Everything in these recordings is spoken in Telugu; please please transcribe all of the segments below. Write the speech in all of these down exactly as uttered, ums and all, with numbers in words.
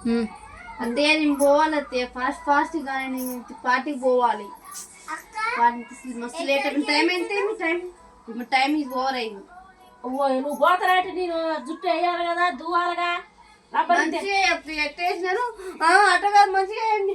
అంతే నేను పోవాలి అత్తే ఫాస్ట్ ఫాస్ట్ కానీ నేను పార్టీకి పోవాలి. మస్తు లేట్ అయిపోయింది. టైం ఎంత టైం టైం ఇది ఓవర్ అయింది. నువ్వు పోతారంటే నేను జుట్టు వేయాలి కదా దువ్వాలిగా ఎట్టేసినారు అట్ట కాదు మంచిగా వేయండి.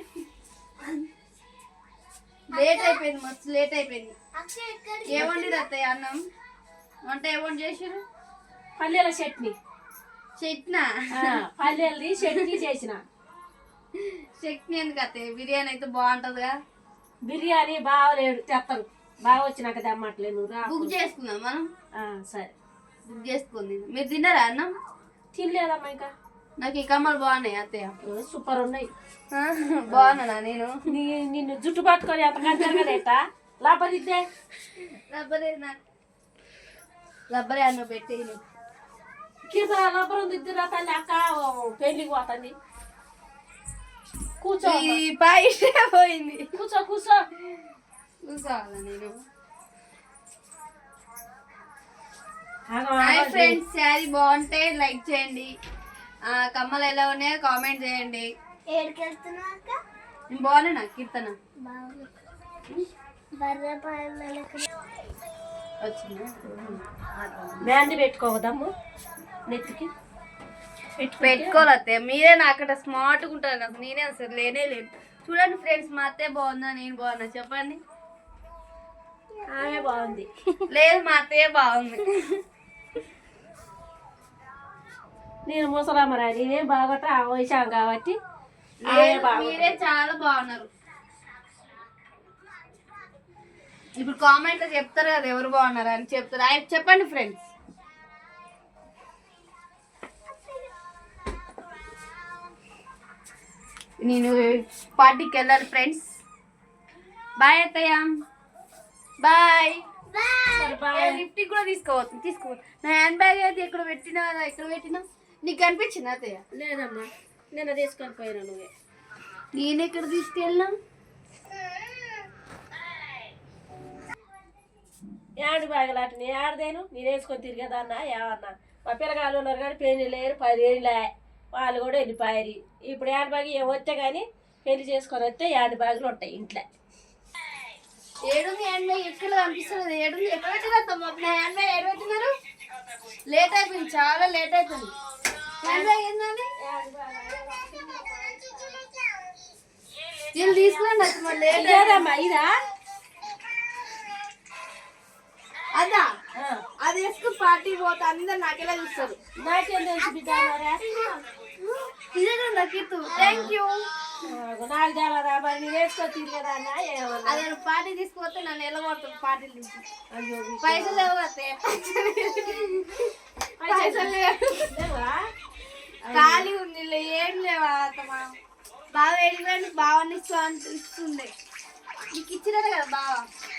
లేట్ అయిపోయింది మస్తు లేట్ అయిపోయింది. ఏమండి అత్తయ్య అన్నం వంట ఏమండి చేసారు? పల్లెల చట్నీ చట్నా పల్లెల్ది చట్నీ చేసిన. చట్నీ ఎందుకు అత్తయ్య? బిర్యానీ అయితే బాగుంటదిగా. బిర్యానీ బాగలేడు తెత్తరు బాగా వచ్చినాక తెమ్మట్లేదు. నువ్వు బుక్ చేసుకుందాం మనం. సరే బుక్ చేసుకుంది. మీరు తిన్నారా అన్నం? తినలేదమ్మా ఇంకా. నాకు ఈ కమ్మలు బాగున్నాయి అత్తయ్య. సూపర్ ఉన్నాయి. బాగున్నా నేను నిన్ను జుట్టు పట్టుకొని ఎంత కంటే లాపరిద్దే రబ్బరే నాకు రబ్బరే అన్న పెట్టి కింద రబ్బరు దిద్దురా తల్లి అక్క పెళ్లికి పోతుంది. కూర్చో పాయిషే పోయింది. కూర్చో కూర్చో కూర్చోవాలా నేను? హాయ్ ఫ్రెండ్స్, శారీ బాగుంటే లైక్ చేయండి. కమ్మలు ఎలా ఉన్నాయో కామెంట్ చేయండి. నేను బాగున్నా కీర్తన బ్యాండ్ పెట్టుకోవద్దాము నెత్తికి పెట్టుకోవాలి అత్తయ్య. మీరే నా అక్కడ స్మార్ట్గా ఉంటారు. నాకు నేనే అసలు లేనే లేదు. చూడండి ఫ్రెండ్స్, మా అత్తయ్య బాగుందా నేను బాగున్నా చెప్పండి. ఆమె బాగుంది. లేదు మా అత్తయ్య బాగుంది. నేను ముసలమ్మరా నేనేం బాగొట్ట వయసాం కాబట్టి మీరే చాలా బాగున్నారు. ఇప్పుడు కామెంట్ లో చెప్తారు కదా ఎవరు బాగున్నారు అని చెప్తారు. ఆయన చెప్పండి ఫ్రెండ్స్. నేను పార్టీకి వెళ్ళాలి ఫ్రెండ్స్. బాయ్ అత్తయ్య. బాయ్. లిఫ్ట్కి కూడా తీసుకోవచ్చు తీసుకోవచ్చు. నా హ్యాండ్ బ్యాగ్ అయితే ఎక్కడ పెట్టినా ఎక్కడ పెట్టినా నీకు కనిపించింది అత్తయ్య? లేదమ్మా నిన్న తీసుకొని పోయినా. నువ్వే నేను ఎక్కడ తీసుకెళ్ళినా? యాడ్ బ్యాగులాట నేను ఆడదేను నేను వేసుకొని తిరిగేదన్నా ఏమన్నా. మా పిల్లగాళ్ళు ఉన్నారు కానీ పెళ్లి లేరు పదేళ్ళే వాళ్ళు కూడా వెళ్ళిపోయారు. ఇప్పుడు యాడ్ బ్యాగ్ ఏం వస్తే కానీ పెళ్లి చేసుకొని వస్తే యాడ్ బ్యాగులు ఉంటాయి ఇంట్లో. ఏడుంది హ్యాండ్ బ్యాగ్ ఎక్కడ కనిపిస్తుంది? ఏడుంది ఎక్కడ పెట్టినా? హ్యాండ్ బ్యాగ్ ఎక్కడ పెట్టినారు? లేట్ అయిపోయింది, చాలా లేట్ అయిపోయింది. హ్యాండ్ బ్యాగ్ ఏంటండి? వీళ్ళు తీసుకురండి అది మరి లేట్ లేదమ్మా. ఇదా అదా అది వేసుకుని పార్టీ పోతే అందరు నాకెలా చూస్తారు. నాకేం తెలుసు బిడ్డ. ఇదేనా కీర్తు? Thank you. నాకు తెలదా మరి నేను వేసుకొని తిరిగేదా అన్న ఏమన్నా. అదే పార్టీ తీసుకుపోతే నన్ను ఎలా పడుతుంది పార్టీలు తీసి. పైసలు లేవు అత్తే, పైసలు లేవా? ఖాళీ ఉంది ఏం లేవా అత్తమా? బాగా వెళ్ళిపోయింది. బావని ఇస్తూ ఇస్తుంది. నీకు ఇచ్చినారు కదా బావ.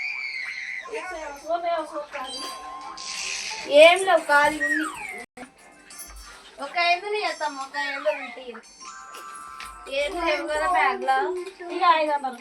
ఏం లేవు ఖాళీ ఉంది. ఒక ఐదు చేస్తాం. ఒక ఐదు ఉంటాయి. ఏం లేవు కదా బ్యాగ్ లో. ఇక ఐదు వందలు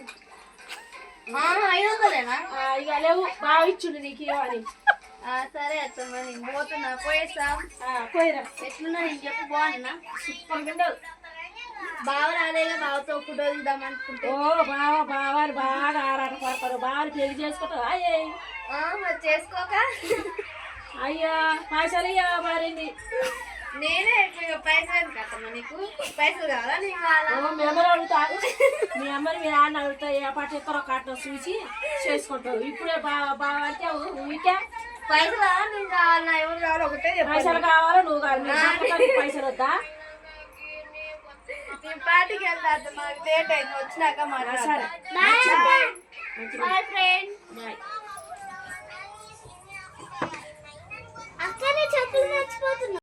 ఐదు వందలేనా? ఇక లేవు బాగా ఇచ్చుండు నీకు ఇవ్వాలి. సరే అత్తమ్మ నేను పోతున్నా. పోయేస్తా. పోయిరా. ఎట్లున్నా నేను చెప్పు బాగున్నా? సూపర్గా ఉండవు. బావ రాలేగా బావతో ఫోటో దిద్దాం అనుకుంటే. ఓ బావ బావాని బాగా ఆరాట పడతారు. బావని పెళ్లి చేసుకుంటావు. అయ్యే మరి చేసుకోక అయ్యా పైసలు ఇయ్యా మారింది. నేనే పైసలు కట్టమ్మా. నీకు పైసలు కావాలా? నీకు కావాలా? మీ అమ్మని అడుగుతారు. మీ అమ్మని మీ నాన్న అడుగుతాయి. ఏ పాట ఎక్కడో కట్ట చూసి చేసుకుంటావు. ఇప్పుడే బావ బావ అంటే ఊరికే పైసలు కావాలా? నీకు కావాలా? ఎవరు కావాలో ఒకటే. పైసలు కావాలా? నువ్వు కావాలి. పైసలు వద్దా? నేను పార్టీకి వెళ్తా. మాకు లేట్ అయింది. వచ్చినాక మాట్లాడతా. సరే బాయ్ ఫ్రెండ్. బాయ్.